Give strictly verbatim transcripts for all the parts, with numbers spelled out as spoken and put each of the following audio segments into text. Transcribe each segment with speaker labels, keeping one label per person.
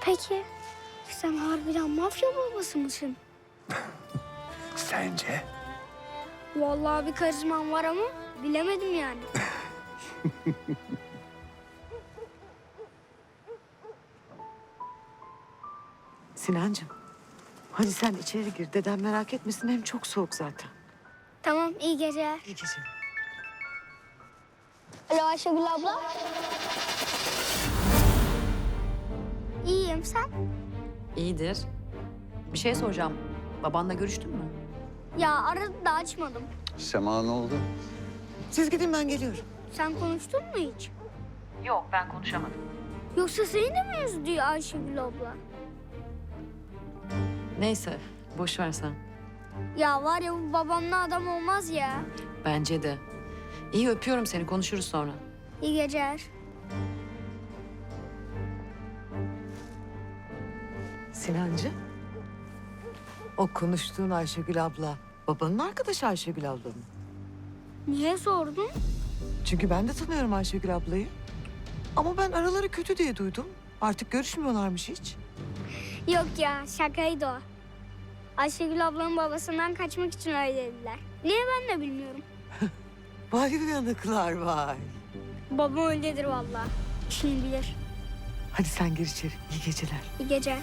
Speaker 1: Peki sen harbiden mafya babası mısın?
Speaker 2: Sence?
Speaker 1: Vallahi bir karizman var ama bilemedim yani.
Speaker 3: Sinancığım, hadi sen içeri gir. Dedem merak etmesin, hem çok soğuk zaten.
Speaker 1: Tamam, iyi geceler.
Speaker 3: İyi geceler.
Speaker 1: Alo Ayşegül abla. İyiyim, sen?
Speaker 4: İyidir. Bir şey soracağım. Babanla görüştün mü?
Speaker 1: Ya aradı da açmadım.
Speaker 2: Sema ne oldu?
Speaker 3: Siz gidin, ben geliyorum.
Speaker 1: Sen konuştun mu hiç?
Speaker 4: Yok, ben konuşamadım.
Speaker 1: Yoksa seni de mi üzdü Ayşegül abla?
Speaker 4: Neyse, boş ver sen.
Speaker 1: Ya var ya bu babamla adam olmaz ya.
Speaker 4: Bence de. İyi, öpüyorum seni. Konuşuruz sonra.
Speaker 1: İyi geceler.
Speaker 3: Sinancığım, o konuştuğun Ayşegül abla, babanın arkadaşı Ayşegül abla mı?
Speaker 1: Niye sordun?
Speaker 3: Çünkü ben de tanıyorum Ayşegül ablayı. Ama ben araları kötü diye duydum. Artık görüşmüyorlarmış hiç.
Speaker 1: Yok ya, şakaydı o. Ayşegül ablanın babasından kaçmak için öyle dediler. Niye ben de bilmiyorum.
Speaker 3: Vay uyanıklar vay.
Speaker 1: Babam öyledir vallahi. İşini bilir.
Speaker 3: Hadi sen gir içeri. İyi geceler.
Speaker 1: İyi geceler.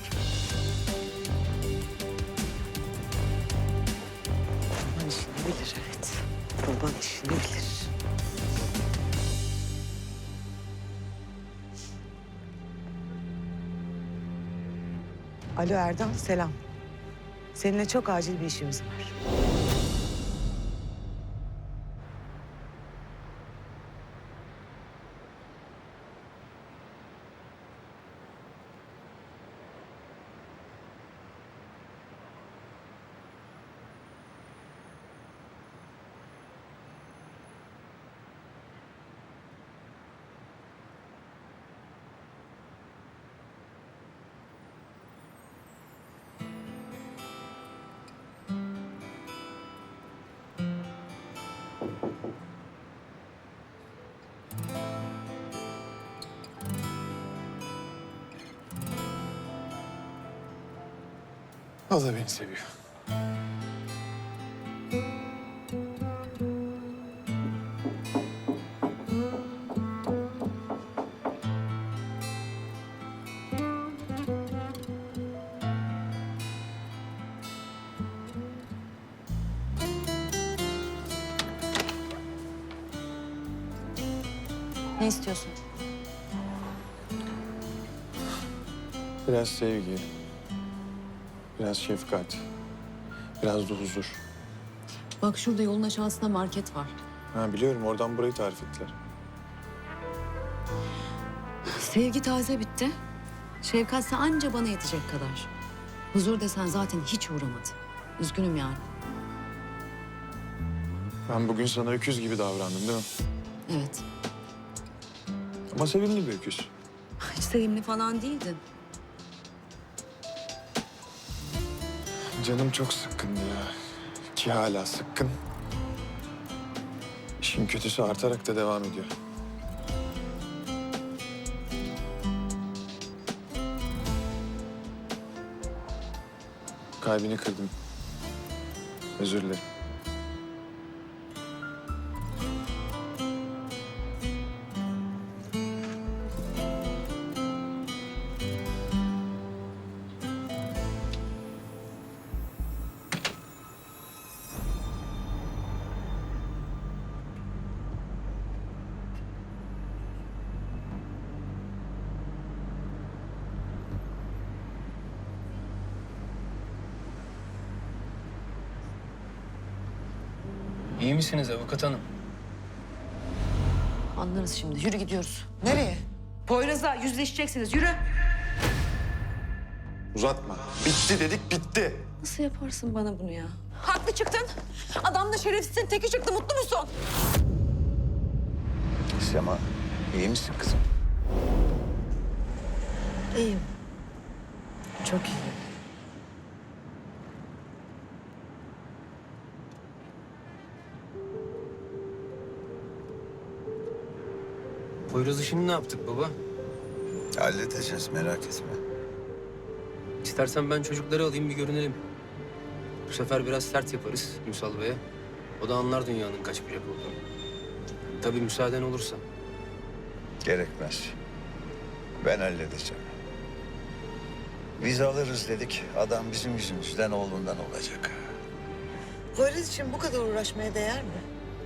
Speaker 3: Baban işini bilir, evet. Baban işini bilir. Alo Erdal, selam. Seninle çok acil bir işimiz var.
Speaker 2: O da beni seviyor.
Speaker 4: Ne istiyorsun?
Speaker 2: Biraz sevgi, biraz şefkat, biraz da huzur.
Speaker 4: Bak şurada yolun aşağısında market var.
Speaker 2: Ha biliyorum, oradan burayı tarif ettiler.
Speaker 4: Sevgi taze bitti. Şefkatse anca bana yetecek kadar. Huzur desen zaten hiç uğramadı. Üzgünüm yani.
Speaker 2: Ben bugün sana öküz gibi davrandım değil mi?
Speaker 4: Evet.
Speaker 2: Ama sevimli bir öküz.
Speaker 4: Hiç sevimli falan değildin.
Speaker 2: Canım çok sıkkındı ya. Ki hala sıkkın. İşin kötüsü artarak da devam ediyor. Kalbini kırdım. Özür dilerim.
Speaker 5: İyi misiniz avukat hanım?
Speaker 4: Anlarız şimdi. Yürü gidiyoruz.
Speaker 3: Nereye?
Speaker 4: Poyraz'la yüzleşeceksiniz. Yürü.
Speaker 2: Uzatma. Bitti dedik, bitti.
Speaker 4: Nasıl yaparsın bana bunu ya? Haklı çıktın. Adam da şerefsizin teki çıktı. Mutlu musun?
Speaker 2: Sema, iyi misin kızım?
Speaker 3: İyiyim. Çok iyiyim.
Speaker 5: Poyraz işini ne yaptık baba?
Speaker 2: Halledeceğiz, merak etme.
Speaker 5: İstersen ben çocukları alayım bir görünelim. Bu sefer biraz sert yaparız Ünsal Bey'e. O da anlar dünyanın kaç bucak olduğunu. Tabii müsaaden olursa.
Speaker 6: Gerekmez. Ben halledeceğim. Biz alırız dedik. Adam bizim yüzümüzden oğlundan olacak.
Speaker 3: Poyraz için bu kadar uğraşmaya değer mi?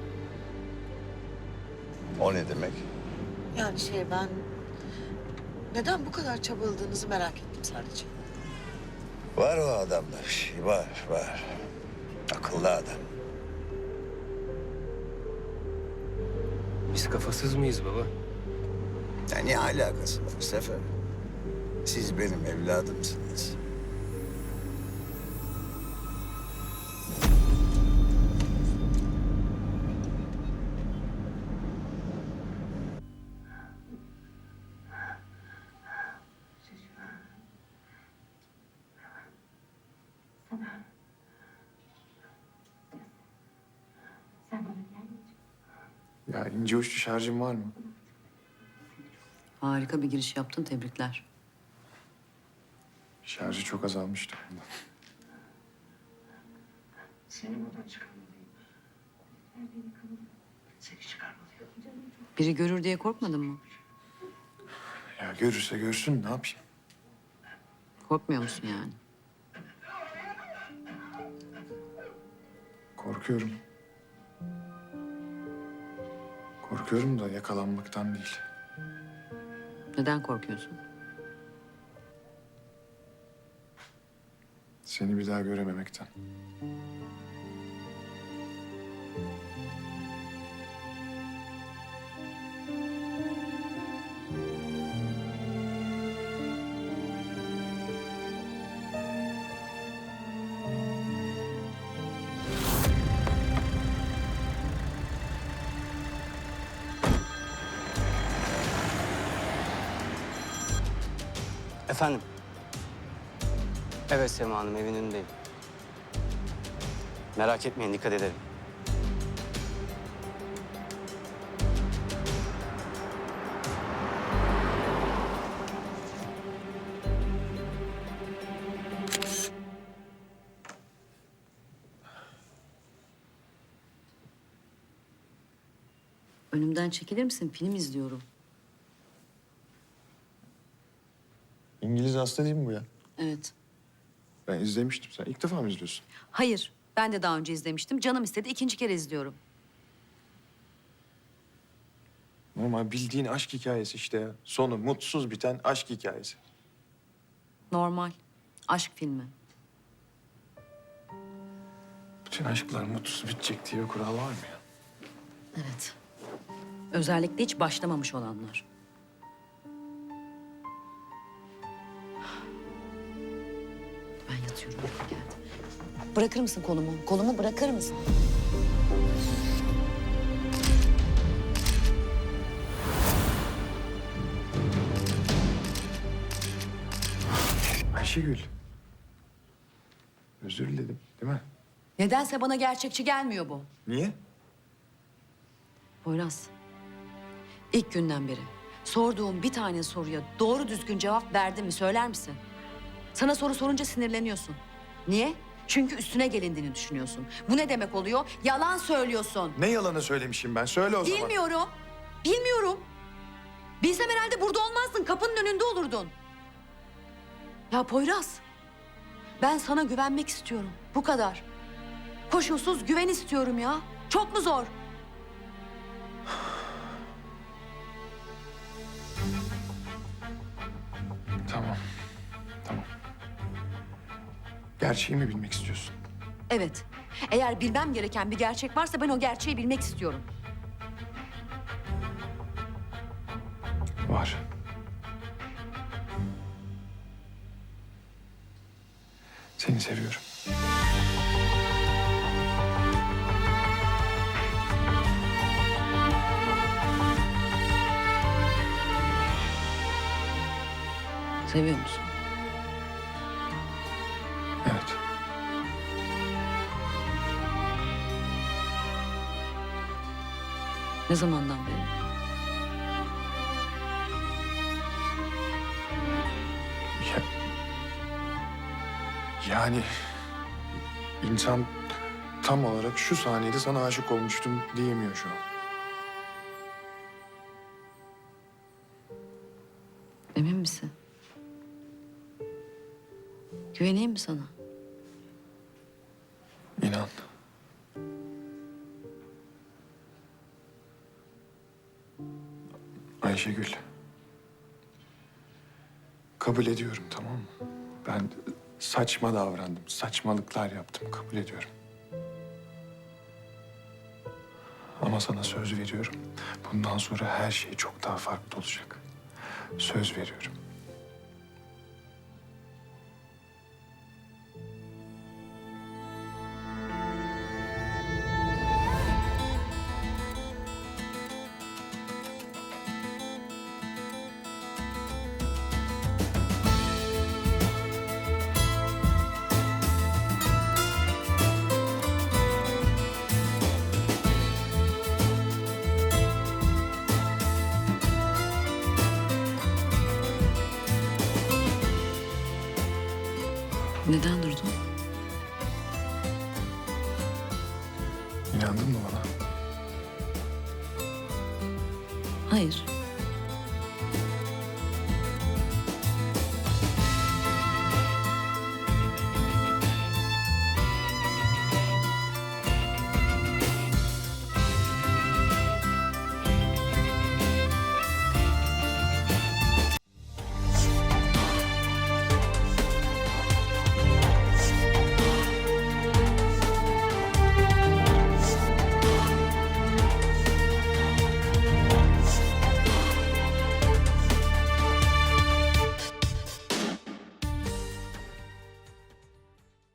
Speaker 6: O ne demek?
Speaker 3: Yani şey ben... Neden bu kadar çabaladığınızı merak ettim sadece.
Speaker 6: Var o adamda bir şey. Var, var. Akıllı adam.
Speaker 5: Biz kafasız mıyız baba?
Speaker 6: Ya ne alakası var Sefer? Siz benim evladımsınız.
Speaker 2: Ya ince uçlu şarjın var mı?
Speaker 4: Harika bir giriş yaptın, tebrikler.
Speaker 2: Şarjı çok azalmıştı.
Speaker 4: Biri görür diye korkmadın mı?
Speaker 2: Ya görürse görsün ne yapayım?
Speaker 4: Korkmuyor musun yani?
Speaker 2: Korkuyorum. Korkuyorum da yakalanmaktan değil.
Speaker 4: Neden korkuyorsun?
Speaker 2: Seni bir daha görememekten.
Speaker 7: Efendim? Evet Sema Hanım, evin önündeyim. Merak etmeyin, dikkat ederim.
Speaker 4: Önümden çekilir misin? Film izliyorum.
Speaker 2: İngiliz hasta değil mi bu ya?
Speaker 4: Evet.
Speaker 2: Ben izlemiştim. Sen ilk defa mı izliyorsun?
Speaker 4: Hayır, ben de daha önce izlemiştim. Canım istedi, ikinci kere izliyorum.
Speaker 2: Normal bildiğin aşk hikayesi işte ya. Sonu mutsuz biten aşk hikayesi.
Speaker 4: Normal. Aşk filmi.
Speaker 2: Bütün aşklar mutsuz bitecek diye bir kural var mı ya?
Speaker 4: Evet. Özellikle hiç başlamamış olanlar. Ben yatıyorum. Uykum geldi. Bırakır mısın kolumu? Kolumu bırakır mısın?
Speaker 2: Ayşegül. Özür diledim değil mi?
Speaker 4: Nedense bana gerçekçi gelmiyor bu.
Speaker 2: Niye?
Speaker 4: Poyraz, ilk günden beri sorduğum bir tane soruya doğru düzgün cevap verdi mi söyler misin? Sana soru sorunca sinirleniyorsun. Niye? Çünkü üstüne gelindiğini düşünüyorsun. Bu ne demek oluyor? Yalan söylüyorsun.
Speaker 2: Ne yalanı söylemişim ben? Söyle o zaman.
Speaker 4: Bilmiyorum. Bilmiyorum. Bilsem herhalde burada olmazdın. Kapının önünde olurdun. Ya Poyraz, ben sana güvenmek istiyorum. Bu kadar. Koşulsuz güven istiyorum ya. Çok mu zor?
Speaker 2: Tamam. Tamam. Gerçeği mi bilmek istiyorsun?
Speaker 4: Evet. Eğer bilmem gereken bir gerçek varsa ben o gerçeği bilmek istiyorum.
Speaker 2: Var. Seni seviyorum.
Speaker 4: Seviyor musun?
Speaker 2: Evet.
Speaker 4: Ne zamandan beri?
Speaker 2: Ya, Yani insan tam olarak şu saniyede sana aşık olmuştum diyemiyor şu an.
Speaker 4: Emin misin? Güveneyim mi sana?
Speaker 2: İnan. Ayşegül. Kabul ediyorum, tamam mı? Ben saçma davrandım, saçmalıklar yaptım, kabul ediyorum. Ama sana söz veriyorum. Bundan sonra her şey çok daha farklı olacak. Söz veriyorum.
Speaker 4: Neden durdun?
Speaker 2: İnandın mı bana?